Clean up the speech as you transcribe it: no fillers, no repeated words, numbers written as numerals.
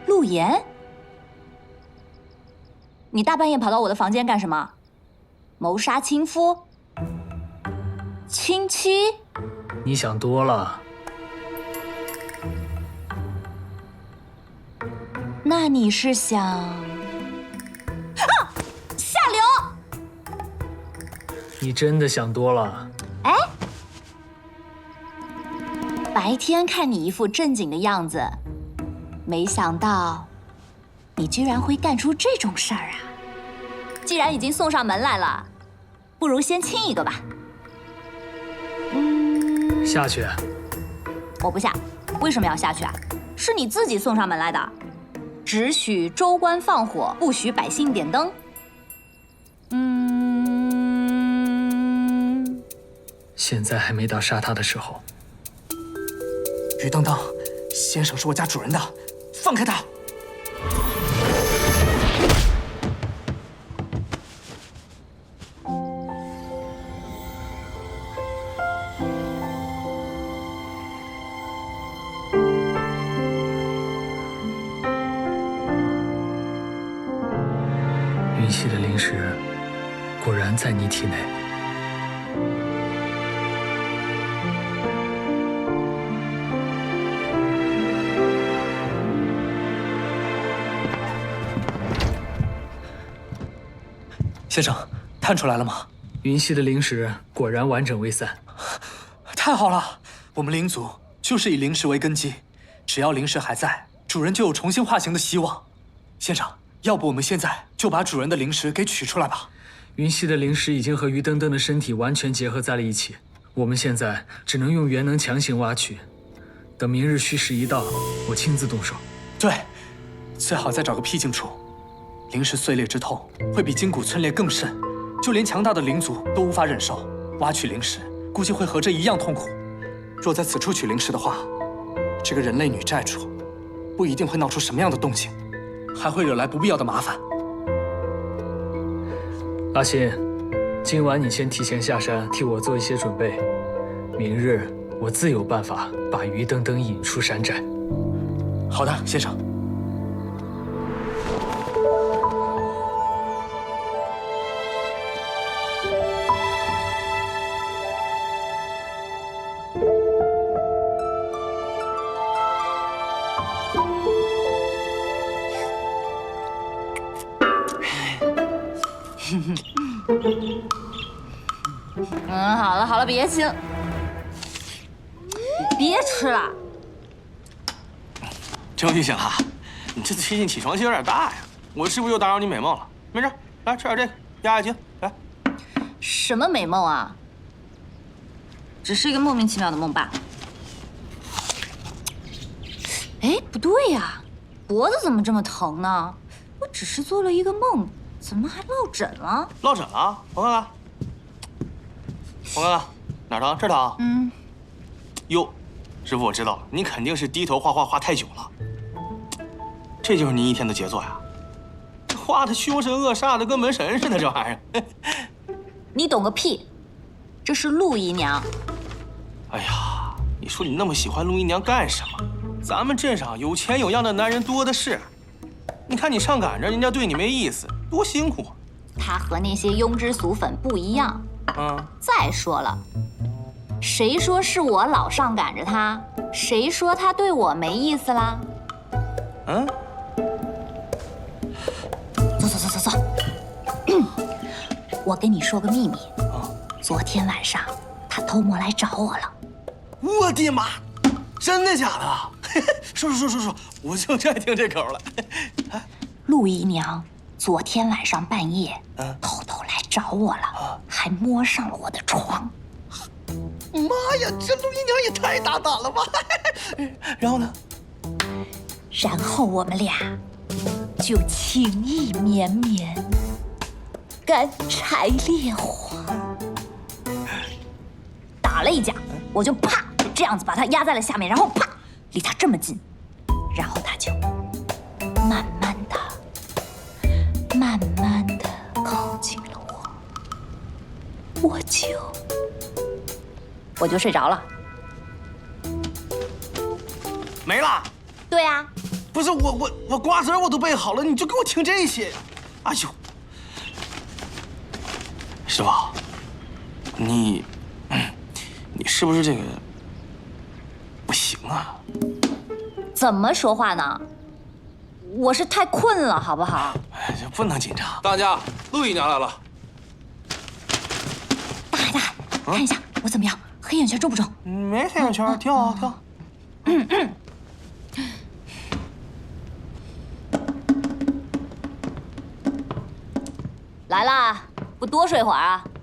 陆岩，你大半夜跑到我的房间干什么？谋杀亲夫？亲妻？ 你想多了。 那你是想……啊！下流！ 你真的想多了。 哎，白天看你一副正经的样子，没想到你居然会干出这种事儿啊！既然已经送上门来了，不如先亲一个吧。 下去。 我不下，为什么要下去啊？是你自己送上门来的。只许州官放火，不许百姓点灯。 现在还没到杀他的时候。 于登登，先生是我家主人的，放开他！ 云溪的灵石果然在你体内。 先生，探出来了吗？ 云溪的灵石果然完整未散。 太好了，我们灵族就是以灵石为根基，只要灵石还在，主人就有重新化形的希望。先生，要不我们现在就把主人的灵石给取出来吧？ 云溪的灵石已经和于登登的身体完全结合在了一起，我们现在只能用元能强行挖取。等明日戌时一到，我亲自动手。 对，最好再找个僻静处。灵石碎裂之痛会比筋骨皴裂更甚，就连强大的灵族都无法忍受。挖取灵石估计会和这一样痛苦。若在此处取灵石的话，这个人类女寨主不一定会闹出什么样的动静，还会惹来不必要的麻烦。 阿信，今晚你先提前下山，替我做一些准备。明日我自有办法把于登登引出山寨。 好的，先生。 好了好了，别亲，别吃了。 终于醒了，你这最近起床气有点大呀。我是不是又打扰你美梦了？没事，来吃点这个压压惊。来， 什么美梦啊？只是一个莫名其妙的梦罢了。哎，不对呀，脖子怎么这么疼呢？我只是做了一个梦，怎么还落枕了？ 落枕了？我看看，我看看，哪儿疼？这儿疼？哟，师傅，我知道了，你肯定是低头画太久了。这就是你一天的杰作呀，画的凶神恶煞的，跟门神似的，这玩意儿。 你懂个屁！这是陆姨娘。 哎呀，你说你那么喜欢陆姨娘干什么？咱们镇上有钱有样的男人多的是，你看你上赶着，人家对你没意思，多辛苦啊。 她和那些庸脂俗粉不一样。再说了，谁说是我老上赶着她？谁说她对我没意思啦？走。我跟你说个秘密。昨天晚上她偷摸来找我了。 我的妈！真的假的？说，我就爱听这口了。 陆姨娘昨天晚上半夜偷偷来找我了，还摸上了我的床。 妈呀，这陆姨娘也太大胆了吧！然后呢？ 然后我们俩就情意绵绵，干柴烈火，打了一架，我就啪这样子把他压在了下面，然后啪离他这么近，然后他就慢慢的靠近了我，我就睡着了。 没了。 对啊。 不是我瓜子我都备好了，你就给我听这些。哎呦，师傅，你是不是这个不行啊？ 怎么说话呢？我是太困了，好不好？ 哎，不能紧张。 当家，陆姨娘来了。 大海，看一下我怎么样？黑眼圈重不重？ 没黑眼圈，挺好，挺好。 来啦，不多睡会儿啊？